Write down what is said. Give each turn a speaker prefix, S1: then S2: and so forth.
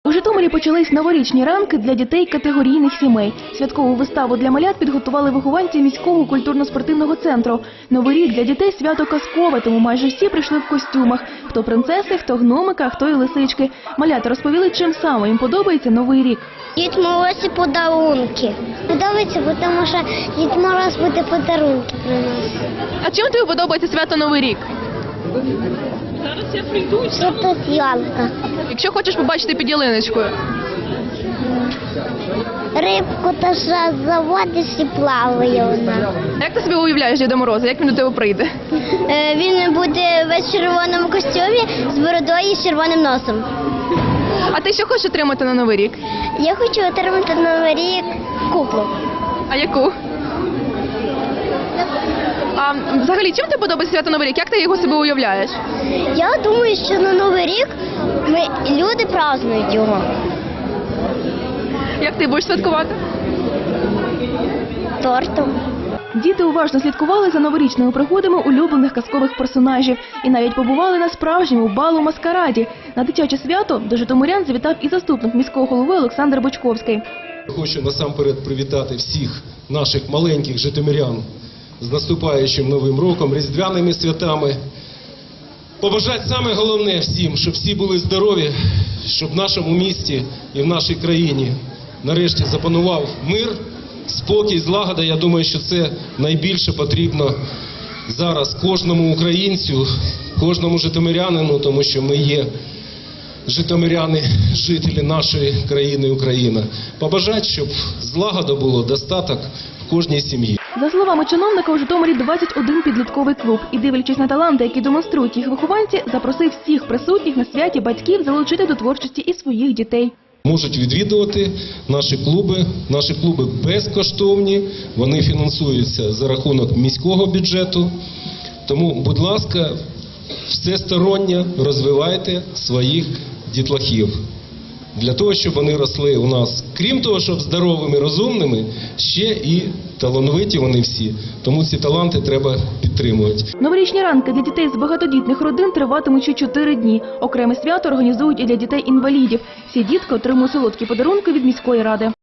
S1: У Житомирі почались новорічні ранки для дітей категорійних сімей. Святкову виставу для малят підготували вихованці міського культурно-спортивного центру. Новий рік для дітей – свято казкове, тому майже всі прийшли в костюмах. Хто принцеси, хто гномика, хто і лисички. Малята розповіли, чим саме їм подобається Новий рік.
S2: Дід Мороз і подарунки. Подобається, тому що Дід Мороз буде подарунки приносити.
S1: А чим тобі подобається свято Новий рік?
S3: Зараз я прийду.
S2: Що тут ялка?
S1: Якщо хочеш побачити під ялиночкою.
S2: Рибку та що заводиш і плаває вона.
S1: Як ти собі уявляєш Діда Мороза? Як він до тебе прийде?
S2: Він буде весь в червоному костюмі з бородою і з червоним носом.
S1: А ти що хочеш отримати на Новий рік?
S2: Я хочу отримати на Новий рік куклу.
S1: А яку? А взагалі, чим тобі подобається свято Новий рік? Як ти його собі уявляєш?
S2: Я думаю, що на Новий рік люди празднують його.
S1: Як ти будеш святкувати?
S2: Тортом.
S1: Діти уважно слідкували за новорічними пригодами улюблених казкових персонажів і навіть побували на справжньому балу-маскараді. На дитяче свято до житомирян завітав і заступник міського голови Олександр Бочковський.
S4: Хочу насамперед привітати всіх наших маленьких житомирян з наступаючим Новим роком, різдвяними святами. Побажати саме головне всім, щоб всі були здорові, щоб в нашому місті і в нашій країні нарешті запанував мир, спокій, злагода. Я думаю, що це найбільше потрібно зараз кожному українцю, кожному житомирянину, тому що ми є житомиряни, жителі нашої країни Україна. Побажати, щоб злагода було, достаток в кожній сім'ї.
S1: За словами чиновника, у Житомирі 21 підлітковий клуб. І дивлячись на таланти, які демонструють їх вихованці, запросив всіх присутніх на святі батьків залучити до творчості і своїх дітей.
S4: Можуть відвідувати наші клуби. Наші клуби безкоштовні, вони фінансуються за рахунок міського бюджету. Тому, будь ласка, всесторонньо розвивайте своїх дітлахів. Для того, щоб вони росли у нас, крім того, щоб здоровими, розумними, ще і талановиті вони всі. Тому ці таланти треба підтримувати.
S1: Новорічні ранки для дітей з багатодітних родин триватимуть ще 4 дні. Окреме свято організують і для дітей-інвалідів. Всі дітки отримують солодкі подарунки від міської ради.